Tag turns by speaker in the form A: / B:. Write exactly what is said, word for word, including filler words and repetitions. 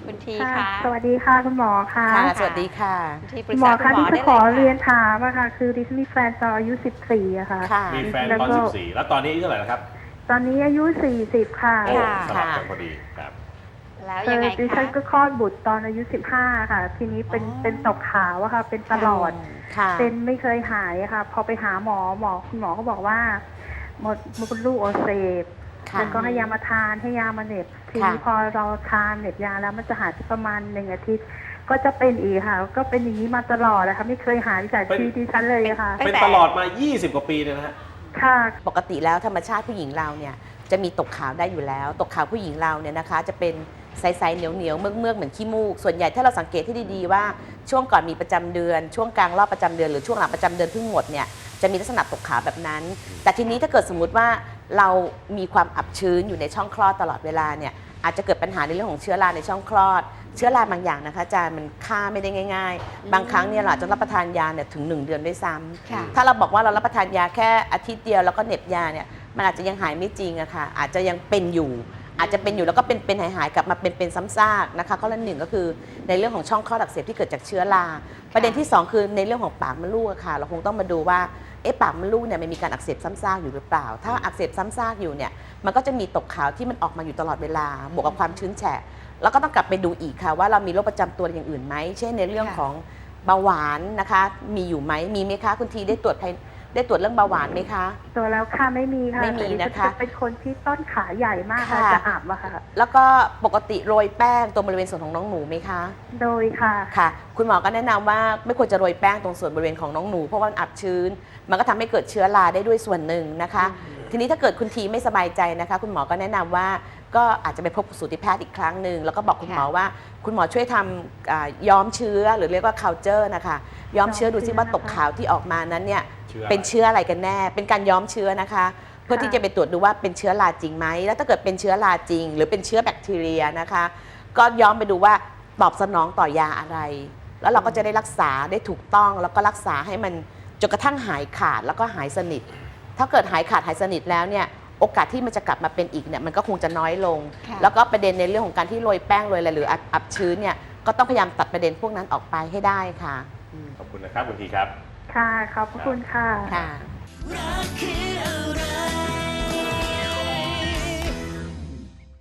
A: คุณที
B: ค่ะ
A: ค่ะ
B: สวัสดีค่ะคุณหมอค่ะ
C: ค่ะสวัสดีค่ะ
A: คุณทีป
B: คุ
A: รึ
B: ณ
A: ก
B: หมอ
A: ษาคุ
B: คะ
A: ณหมอ
B: ที่จะ
A: ได้
B: ขอ
A: เลย
B: เรีย
A: ค่ะ
B: นถามอะค่ะคือดิฉันมีแฟนตอนอายุสิบสี่อะค่ะ
C: ค่ะ
D: มีแฟน
B: แล้ว
D: ตอน
B: ก็
D: สิบสี่ แล้วตอนนี้อายุเท่าไหร่แล้วครับ
B: ตอนนี้อายุสี่สิบค่ะ
D: โอ้
A: ค่ะ
D: สลับกันพอดีครับ
A: แล้ว
B: คื
A: ยัง
B: อ
A: ไง
B: ดิ
A: คะ
B: ฉันก็คลอดบุตรตอนอายุสิบห้าค่ะ ทีนี้เป็น
A: อ๋อ
B: เป็นตกขาวอะค่ะ เป็นตลอด
C: ค่ะ
B: เป็นไม่เคยหายอะค่ะ พอไปหาหมอ หมอ คุณหมอก็บอกว่า มด มดลูกอักเสบ
C: ค่ะ
B: แล้วก็ให้ยามาทาน ให้ยามาเหน็บ ทีนี้
C: ค่ะ
B: พอเราทานเหน็บยาแล้วมันจะหายไปประมาณหนึ่งอาทิตย์ ก็จะเป็นอีกค่ะ ก็เป็นอย่างนี้มาตลอดอะค่ะ ไม่เคยหายจาก
D: เป็น
B: ชีวิตดิฉันเลยอะค่ะ
A: ตั้ง
D: เป็น
A: แต่
D: ตลอดมา ยี่สิบ กว่าปีเลยนะฮะ
B: ค่ะ
C: ปกติแล้วธรรมชาติผู้หญิงเราเนี่ยจะมีตกขาวได้อยู่แล้ว ตกขาวผู้หญิงเราเนี่ยนะคะจะเป็นใสๆเหนียวๆเมือกๆเหมือนขี้มูก ส่วนใหญ่ถ้าเราสังเกตที่ดีๆว่าช่วงก่อนมีประจำเดือน ช่วงกลางรอบประจำเดือนหรือช่วงหลังประจำเดือนเพิ่งหมดเนี่ยจะมีลักษณะตกขาวแบบนั้น แต่ทีนี้ถ้าเกิดสมมุติว่าเรามีความอับชื้นอยู่ในช่องคลอดตลอดเวลาเนี่ยอาจจะเกิดปัญหาในเรื่องของเชื้อราในช่องคลอด เชื้อราบางอย่างนะคะอาจารย์มันฆ่าไม่ได้ง่ายๆ บางครั้งเนี่ยเราอาจจะรับประทานยาเนี่ยถึงหนึ่งเดือนด้วยซ้ำ
A: ค่ะ
C: ถ้าเราบอกว่าเรารับประทานยาแค่อาทิตย์เดียวแล้วก็เหน็บยาเนี่ยมันอาจจะยังหายไม่จริงอะค่ะอาจจะยังเป็นอยู่ อาจจะเป็นอยู่แล้วก็เป็นเป็นหายหายๆกลับมาเป็นเป็นซ้ำซากนะคะข้อละหนึ่งก็คือในเรื่องของช่องคลอดอักเสบที่เกิดจากเชื้อราประเด็นที่สองคือในเรื่องของปากมดลูกอะค่ะเราคงต้องมาดูว่าเอ๊ะปากมดลูกเนี่ยมันมีการอักเสบซ้ำซากอยู่หรือเปล่า ถ้าอักเสบซ้ำซากอยู่เนี่ยมันก็จะมีตกขาวที่มันออกมาอยู่ตลอดเวลาบวกกับความชื้นแฉะแล้วก็ต้องกลับไปดูอีกค่ะว่าเรามีโรคประจำตัวอย่างอื่นไหมเช่นในเรื่องของเบาหวานนะคะมีอยู่ไหมมีไหมคะคุณทีได้ตรวจภายได้ตรวจเรื่องเบาหวานไหมคะ
B: ตัวแล้วค่ะไม่มีค่ะ
C: ไม่มี
B: แต่ดิฉั
C: นะคะ
B: จะเป็นคนที่ต้นขาใหญ่มากค่ะ
C: ค่ะ
B: จะอับอะค่ะ
C: แล้วก็ปกติโรยแป้งตรงบริเวณส่วนของน้องหนูไหมคะ
B: โดยค่ะ
C: ค่ะ คุณหมอก็แนะนำว่าไม่ควรจะโรยแป้งตรงส่วนบริเวณของน้องหนูเพราะว่ามันอับชื้น มันก็ทำให้เกิดเชื้อราได้ด้วยส่วนหนึ่งนะคะ ทีนี้ถ้าเกิดคุณทีไม่สบายใจนะคะ คุณหมอก็แนะนำว่าก็อาจจะไปพบสูติแพทย์อีกครั้งหนึ่งแล้วก็บอกคุณหมอว่าคุณหมอช่วยทำอ่าย้อมเชื้อหรือเรียกว่า culture นะคะย้อมเชื้อดูซิว่าตกขาวที่ออกมานั้นเนี่ย
D: เชื้ออะไร
C: เป็นเชื้ออะไรกันแน่ เป็นการย้อมเชื้อนะคะ เพื่อที่จะไปตรวจดูว่าเป็นเชื้อราจริงไหมแล้วถ้าเกิดเป็นเชื้อราจริง หรือเป็นเชื้อแบคทีเรียนะคะ ก็ย้อมไปดูว่าตอบสนองต่อยาอะไร แล้วเราก็จะได้รักษาได้ถูกต้องแล้วก็รักษาให้มันจนกระทั่งหายขาดแล้วก็หายสนิท ถ้าเกิดหายขาดหายสนิทแล้วเนี่ยโอกาสที่มันจะกลับมาเป็นอีกเนี่ยมันก็คงจะน้อยลง
A: ค่ะ
C: แล้วก็ประเด็นในเรื่องของการที่โรยแป้งโรยอะไรหรืออับอับชื้นเนี่ยก็ต้องพยายามตัดประเด็นพวกนั้นออกไปให้ได้ค่ะ
D: ขอบคุณนะครับคุณทีครับ
B: ค่ะ ขอบพระคุณค่ะ
C: ค่ะ
E: รักคือ